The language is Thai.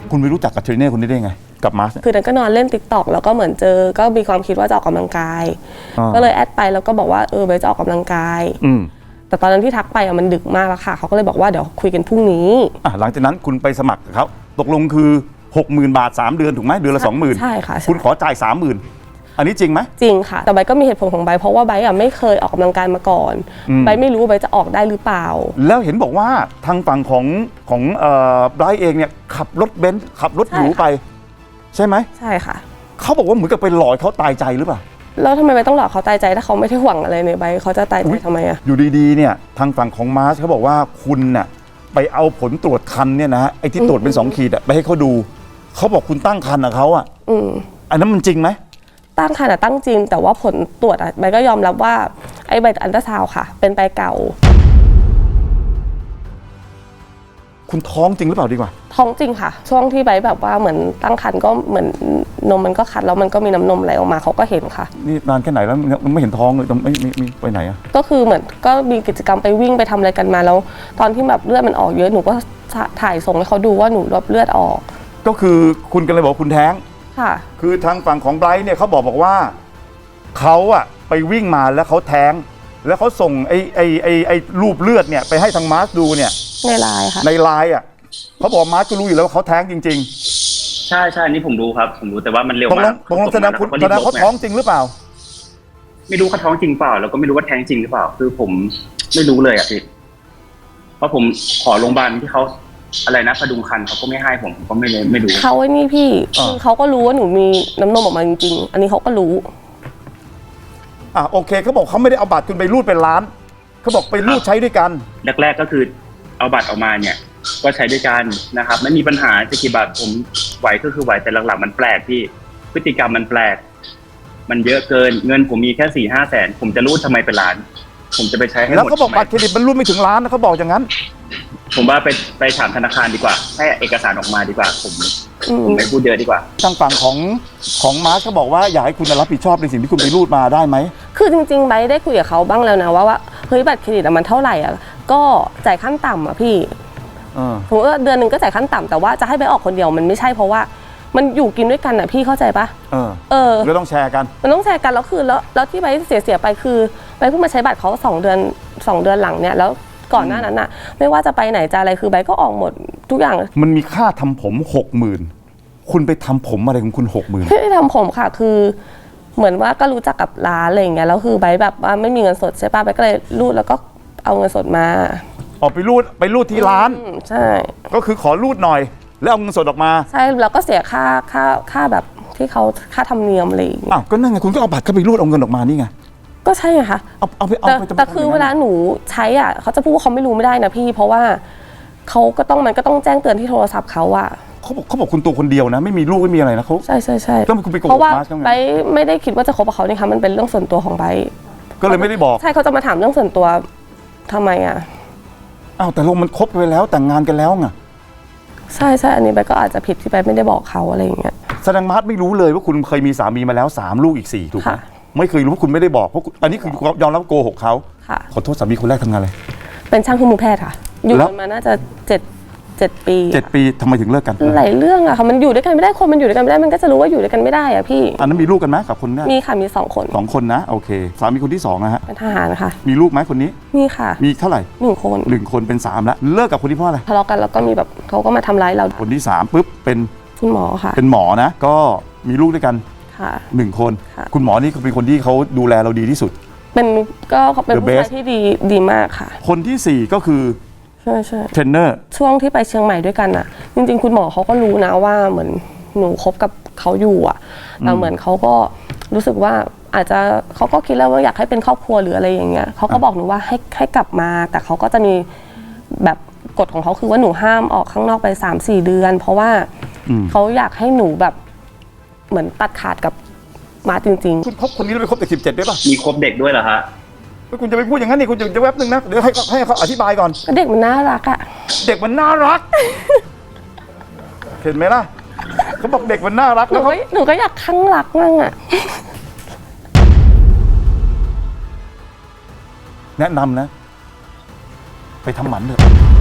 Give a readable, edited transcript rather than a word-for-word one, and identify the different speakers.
Speaker 1: คุณไปรู้จักกับเทรนเนอร์คนนี้ได้ไงกับมาร์ช
Speaker 2: คือนั้นก็นอนเล่น TikTok แล้วก็เหมือนเจอก็มีความคิดว่าจะออกกำลังกายก็เลยแอดไปแล้วก็บอกว่าเบสจะออกกำลังกายแต่ตอนนั้นที่ทักไปมันดึกมากแล้วค่ะเขาก็เลยบอกว่าเดี๋ยวคุยกันพรุ่งนี้
Speaker 1: หลังจากนั้นคุณไปสมัครกับเขาตกลงคือ 60,000 บาท3 เดือนถูกไหมเดือนละ 20,000
Speaker 2: ใช่ค่ะ
Speaker 1: คุณขอจ่าย 30,000 อันนี้จริงไหม
Speaker 2: จริงค่ะแต่ใบก็มีเหตุผลของใบเพราะว่าใบไม่เคยออกกำลังกายมาก่อนใบไม่รู้ว่าใบจะออกได้หรือเปล่า
Speaker 1: แล้วเห็นบอกว่าทางฝั่งของไบรท์เองเนี่ยขับรถเบนซ์ขับรถหรูไปใช่ไหม
Speaker 2: ใช่ค่ะ
Speaker 1: เขาบอกว่าเหมือนกับไปหลอกเขาตายใจหรือเปล่า
Speaker 2: แล้วทำไมใบต้องหลอกเขาตายใจถ้าเขาไม่ได้หวังอะไรในใบเขาจะตายใจทำไมอะ
Speaker 1: อยู่ดีๆเนี่ยทางฝั่งของมาร์ชเขาบอกว่าคุณน่ะไปเอาผลตรวจคันเนี่ยนะไอ้ที่ตรวจเป็น2 ขีดไปให้เขาดูเขาบอกคุณตั้งคันกับเขาอ่ะอันนั้นมันจริงไหม
Speaker 2: ตั้งคันตั้งจริงแต่ว่าผลตรวจใบก็ยอมรับว่าไอ้ใบอัลตราซาวด์ค่ะเป็นใบเก่า
Speaker 1: คุณท้องจริงหรือเปล่าดีกว่า
Speaker 2: ท้องจริงค่ะช่วงที่ใบแบบว่าเหมือนตั้งครรภ์ก็เหมือนนมมันก็คัดแล้วมันก็มีน้ำนมไหลออกมาเขาก็เห็นค่ะ
Speaker 1: นี่นานแค่ไหนแล้วมันไม่เห็นท้องเลยไม่ไปไหนอะ
Speaker 2: ก็คือเหมือนก็มีกิจกรรมไปวิ่งไปทำอะไรกันมาแล้วตอนที่แบบเลือดมันออกเยอะหนูก็ถ่ายส่งให้เขาดูว่าหนูรับเลือดออก
Speaker 1: ก็คือคุณกันเลยบอกคุณแท้ง
Speaker 2: ค่ะ
Speaker 1: คือทางฝั่งของไบรท์เนี่ยเขาบอกว่าเขาอะไปวิ่งมาแล้วเขาแท้งแล้วเขาส่งไอ้รูปเลือดเนี่ยไปให้ทางมาร์ชดูเนี่ย
Speaker 2: ในไลน์ค่ะ
Speaker 1: ในไลน์อะเขาบอกมาร์ชก็รู้อยู่แล้วว่าเขาแท้งจริง
Speaker 3: ๆใช่อันนี้ผมรู้ครับผมรู้แต่ว่ามันเร็วมาก
Speaker 1: ตรงแสดงเขาท้องจริงหรือเปล่า
Speaker 3: ไม่รู้เขาท้องจริงเปล่าแล้วก็ไม่รู้ว่าแท้งจริงหรือเปล่าคือผมไม่รู้เลยอะพี่เพราะผมขอโรงพยาบาลที่เขาอะไรนะพดุงครรภ์เขาก็ไม่ให้ผมก็ไม่รู้
Speaker 2: เขาไอ้นี่พี่คือเขาก็รู้ว่าหนูมีน้ำนมออกมาจริงๆอันนี้เขาก็รู้
Speaker 1: โอเคเขาบอกเขาไม่ได้เอาบัตรคุณไปรูดเป็นล้านเขาบอกไปรูดใช้ด้วยกัน
Speaker 3: แรกๆก็คือเอาบัตรออกมาเนี่ยก็ใช้ด้วยกันนะครับไม่มีปัญหาจะกี่บาทผมไหวก็คือไหวแต่หลักๆมันแปลกพี่พฤติกรรมมันแปลกมันเยอะเกินเงินผมมีแค่4-5 แสนผมจะรูดทำไมเป็นล้านผมจะไปใช้ให้หมด
Speaker 1: แล้วเขาบอกบัตรเครดิตมันรูดไม่ถึงล้านนะเขาบอกอย่างนั้น
Speaker 3: ผมว่าไปถามธนาคารดีกว่าให้เอกสารออกมาดีกว่าผมไม่พูดเยอะดีกว่า
Speaker 1: ทางฝั่งของมาร์ชเขาบอกว่าอยากให้คุณรับผิดชอบในสิ่งที่คุณไปรูดมาได้ไหม
Speaker 2: คือจริงๆไบได้คุยกับเขาบ้างแล้วนะว่าเฮ้ยบัตรเครดิตมันเท่าไหร่อ่ะก็จ่ายขั้นต่ำอ่ะพี่สมมติว่าเดือนนึงก็จ่ายขั้นต่ำแต่ว่าจะให้ไปออกคนเดียวมันไม่ใช่เพราะว่ามันอยู่กินด้วยกันอ่ะพี่เข้าใจปะ
Speaker 1: ก็ต้องแชร์กัน
Speaker 2: มันต้องแชร์กันแล้วคือแล้วที่ไบเสียไปคือไบเพิ่งมาใช้บัตรเขา2 เดือนหลังเนี่ยแล้วก่อนหน้านั้นน่ะไม่ว่าจะไปไหนจะอะไรคือไบก็ออกหมดทุกอย่าง
Speaker 1: มันมีค่าทำผม 60,000คุณไปทำผมอะไรของคุณ 60,000
Speaker 2: ไม่ได้ทำผมค่ะคือเหมือนว่าก็รู้จักกับร้านอะไรอย่างเงี้ยแล้วคือไบแบบว่าไม่มีเงินสดใช่ป่ะไบก็เลยรูดแล้วก็เอาเงินสดมา
Speaker 1: ออกไปรูดที่ร้าน
Speaker 2: ใช่
Speaker 1: ก็คือขอรูดหน่อยแล้วเอาเงินสดออกมา
Speaker 2: ใช่แล้วก็เสียค่าแบบที่เขาค่าธรรมเนียมอะไรอย่างเงี้ย
Speaker 1: ก็นั่นไงคุณก็เอาบัตรเข้าไปรูดเอาเงินออกมานี่ไง
Speaker 2: ก็ใช่ไงคะ
Speaker 1: เอาไป
Speaker 2: แต่คือเวลาหนูใช้อ่ะเขาจะพูดว่าเขาไม่รู้ไม่ได้นะพี่เพราะว่าเขาก็ต้องมันก็ต้องแจ้งเตือนที่โทรศัพท์เขาอะ
Speaker 1: เขาบอกคุณตัวคนเดียวนะไม่มีลูกไม่มีอะไรนะเขา
Speaker 2: ใช่
Speaker 1: แล้วคุณไปโกหก
Speaker 2: เพราะว่าไบไม่ได้คิดว่าจะคบกับเขานี่ค่ะมันเป็นเรื่องส่วนตัวของไบ
Speaker 1: ก็เลยไม่ได้บอก
Speaker 2: ใช่เขาจะมาถามเรื่องส่วนตัวทำไมอะ
Speaker 1: แต่เรามันคบไปแล้วแต่งงานกันแล้วไง
Speaker 2: ใช่อันนี้ไบก็อาจจะผิดที่ไบไม่ได้บอกเขาอะไรอย่างเงี้ย
Speaker 1: แสดงมาร์ทไม่รู้เลยว่าคุณเคยมีสามีมาแล้ว3 ลูกอีก4ถูกไหมไม่เคยรู้ว่าคุณไม่ได้บอกเพราะอันนี้คือยอมรับโกหกเขาขอโทษสามีคนแรกทำงานอะไร
Speaker 2: เป็นช่างเครื่องมือแพทย์ค่ะอยู่กันมาน่าจะ7 ปี
Speaker 1: ทำไมถึงเลิกกัน
Speaker 2: หลายเรื่องอะค่ะมันอยู่ด้วยกันไม่ได้คนมันอยู่ด้วยกันไม่ได้มันก็จะรู้ว่าอยู่ด้วยกันไม่ได้อะพี่
Speaker 1: อันนั้นมีลูกกันไหมกับคนนี้
Speaker 2: มีค่ะมี2 คน
Speaker 1: 2 คนนะโอเคสามีคนที่2นะฮะ
Speaker 2: เป็นทหารค่ะ
Speaker 1: มีลูกไหมคนนี้
Speaker 2: มีค่ะ
Speaker 1: มีเท่าไหร่
Speaker 2: 1
Speaker 1: คนเป็น3แล้วเลิกกับคนที่เพราะอะไร
Speaker 2: ทะเลาะกันแล้วก็มีแบบเขาก็มาทำร้ายเรา
Speaker 1: คนที่3ปุ๊บเป็น
Speaker 2: คุณหมอค่ะ
Speaker 1: เป็นหมอนะก็มีลูกด้วยกัน1 คนคุณหมอนี่เป็นคนที่เขาดูแลเราดีที่สุด
Speaker 2: เป็นผู้ชายที่ดีมากค่ะ
Speaker 1: คนที่4ก็คือ
Speaker 2: ใช่
Speaker 1: เทรนเนอร์
Speaker 2: ช่วงที่ไปเชียงใหม่ด้วยกันอ่ะจริงๆคุณหมอเขาก็รู้นะว่าเหมือนหนูคบกับเขาอยู่อ่ะแต่เหมือนเขาก็รู้สึกว่าอาจจะเขาก็คิดแล้วว่าอยากให้เป็นครอบครัวหรืออะไรอย่างเงี้ยเขาก็บอกหนูว่าให้กลับมาแต่เขาก็จะมีแบบกฎของเขาคือว่าหนูห้ามออกข้างนอกไป3-4 เดือนเพราะว่าเขาอยากให้หนูแบบเหมือนตัดขาดกับมาจริง
Speaker 1: ๆคุณคบคนนี้แล้วไปคบเด็ก17ด้วยป่ะ
Speaker 3: มีคบเด็กด้วยเหรอฮะ
Speaker 1: คุณจะไปพูดอย่างนั้นนี่คุณจะแวบนึงนะเดี๋ยวให้เขาอธิบายก่อน
Speaker 2: เด็กมันน่ารักอะ
Speaker 1: เด็กมันน่ารักเห็นไหมล่ะเขาบอกเด็กมันน่ารักแล้ว
Speaker 2: หนูก็อยากข้างรักมั่งอะ
Speaker 1: แนะนำนะไปทำหมันเถอะ